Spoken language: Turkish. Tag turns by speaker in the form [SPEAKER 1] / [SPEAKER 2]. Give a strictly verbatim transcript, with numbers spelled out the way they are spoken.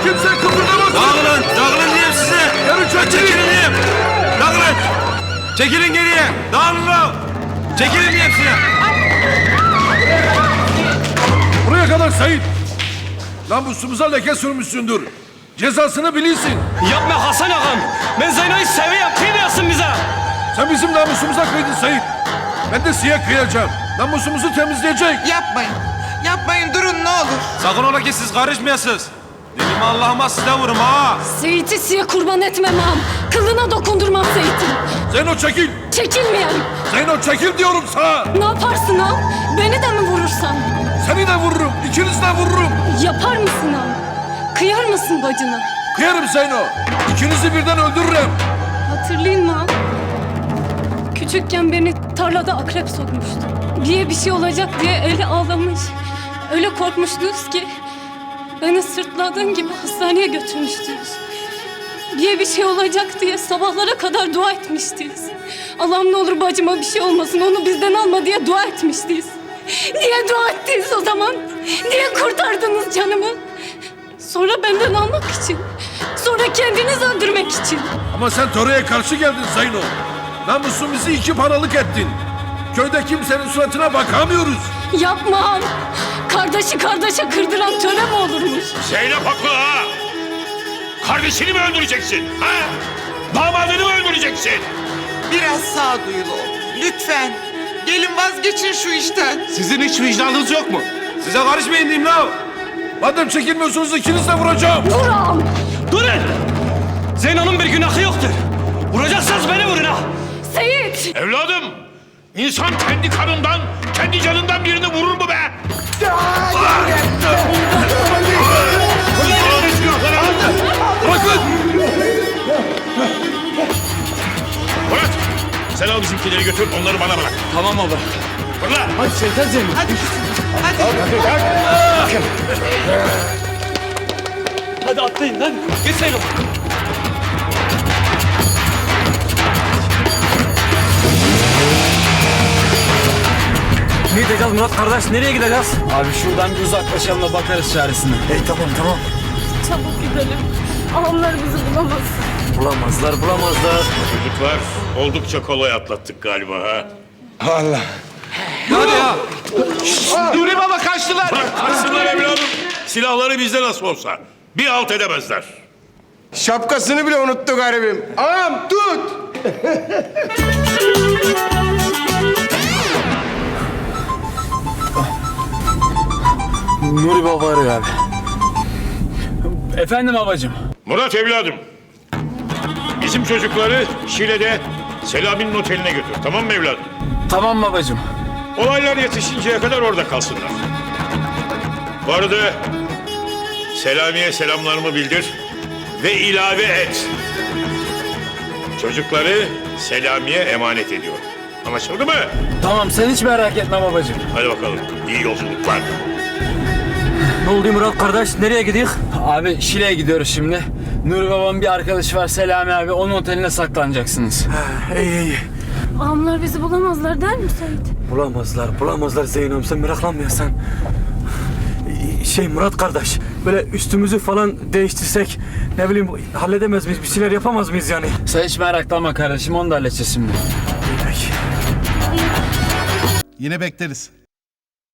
[SPEAKER 1] Kimse kıpırdamasın.
[SPEAKER 2] Dağılın, dağılın diyeyim size.
[SPEAKER 1] Yarın çekilin.
[SPEAKER 2] Çekilin diyeyim. Dağılın. Çekilin geriye. Dağılın lan. Çekilin diyeyim size.
[SPEAKER 1] Buraya kadar Sait. Namusumuza leke sürmüşsündür. Cezasını bilirsin.
[SPEAKER 3] Yapma Hasan ağam. Ben Zeyno'yu seviyorum. Kıymayasın bize.
[SPEAKER 1] Sen bizim namusumuza kıydın Sait. Ben de size kıyacağım. Namusumuzu temizleyecek.
[SPEAKER 4] Yapmayın. Yapmayın durun ne olur.
[SPEAKER 2] Sakın ola ki siz karışmayasınız. Dilimi Allah'ıma size vururum ha.
[SPEAKER 5] Seyit'i size kurban etmem ağam. Kılına dokundurmam Seyit'in.
[SPEAKER 1] Zeyno çekil.
[SPEAKER 5] Çekilmeyelim.
[SPEAKER 1] Zeyno çekil diyorum sana.
[SPEAKER 5] Ne yaparsın ağam? Beni de mi vurursan?
[SPEAKER 1] Seni de vururum. İkinizi de vururum.
[SPEAKER 5] Yapar mısın ağam? Kıyar mısın bacına?
[SPEAKER 1] Kıyarım Zeyno. İkinizi birden öldürürüm.
[SPEAKER 5] Hatırlayın mı ağam? Küçükken beni tarlada akrep sokmuştu. Diye bir şey olacak diye eli ağlamış. Öyle korkmuştunuz ki beni sırtladığın gibi hastaneye götürmüştünüz. Diye bir şey olacak diye sabahlara kadar dua etmiştiniz. Allah'ım ne olur bacıma bir şey olmasın, onu bizden alma diye dua etmiştiniz. Niye dua ettiniz o zaman? Niye kurtardınız canımı? Sonra benden almak için. Sonra kendiniz öldürmek için.
[SPEAKER 1] Ama sen töreye karşı geldin Zeyno. Namusumuzu iki paralık ettin. Köyde kimsenin suratına bakamıyoruz.
[SPEAKER 5] Yapmam. Kardeşi kardeşe kırdıran töre mi olurmuş?
[SPEAKER 6] Zeynep haklı ha! Kardeşini mi öldüreceksin? Ha? Damadını mı öldüreceksin?
[SPEAKER 4] Biraz sağduyulu ol. Lütfen. Gelin vazgeçin şu işten.
[SPEAKER 2] Sizin hiç vicdanınız yok mu? Size karışmayın diyeyim lan.
[SPEAKER 1] Madem çekilmiyorsunuz ikiniz de vuracağım.
[SPEAKER 5] Vur ağam.
[SPEAKER 3] Durun. Zeyno'nun bir günahı yoktur. Vuracaksanız beni vurun ha.
[SPEAKER 5] Seyit.
[SPEAKER 6] Evladım, insan kendi kanından, kendi canından birini vurur mu be?
[SPEAKER 1] Bırakın.
[SPEAKER 6] Murat, sen al bizimkileri götür, onları bana bırak.
[SPEAKER 3] Tamam baba.
[SPEAKER 6] Fırla!
[SPEAKER 3] Hadi Seyit'e Zeyno.
[SPEAKER 4] Hadi.
[SPEAKER 3] Hadi atlayın lan. Git Zeyno. Ne diyeceğiz Murat kardeş? Nereye gideceğiz? Abi şuradan bir uzaklaşalım da bakarız çaresine. Hey tamam tamam.
[SPEAKER 5] Çabuk gidelim. Ağamlar bizi bulamaz.
[SPEAKER 3] Bulamazlar bulamazlar.
[SPEAKER 6] Çocuklar, oldukça kolay atlattık galiba ha.
[SPEAKER 2] Hadi ya.
[SPEAKER 6] Nuri baba kaçtılar! Kaçsınlar evladım. Silahları bizde nasıl olsa. Bir alt edemezler.
[SPEAKER 7] Şapkasını bile unuttu garibim. Ağam tut!
[SPEAKER 3] Nuri baba arıyor abi. Efendim babacığım.
[SPEAKER 6] Murat evladım. Bizim çocukları Şile'de Selami'nin oteline götür. Tamam mı evladım?
[SPEAKER 3] Tamam babacığım.
[SPEAKER 6] Olaylar yetişinceye kadar orada kalsınlar. Bu arada Selami'ye selamlarımı bildir ve ilave et. Çocukları Selami'ye emanet ediyorum. Anlaşıldı mı?
[SPEAKER 3] Tamam sen hiç merak etme babacığım.
[SPEAKER 6] Hadi bakalım. İyi yolculuklar.
[SPEAKER 3] Ne oldu Murat kardeş? Nereye gidiyoruz? Abi Şile'ye gidiyoruz şimdi. Nuri babamın bir arkadaşı var Selami abi. Onun oteline saklanacaksınız.
[SPEAKER 8] İyi iyi.
[SPEAKER 5] Ağamlar bizi bulamazlar der mi Seyit?
[SPEAKER 8] Bulamazlar, bulamazlar Zeyno'm. Sen meraklanmıyorsan. Şey Murat kardeş, böyle üstümüzü falan değiştirsek, ne bileyim halledemez miyiz? Bir şeyler yapamaz mıyız yani?
[SPEAKER 3] Sen hiç meraklanma kardeşim. Onu da halledeceğiz şimdi.
[SPEAKER 8] İyi peki.
[SPEAKER 9] Yine bekleriz.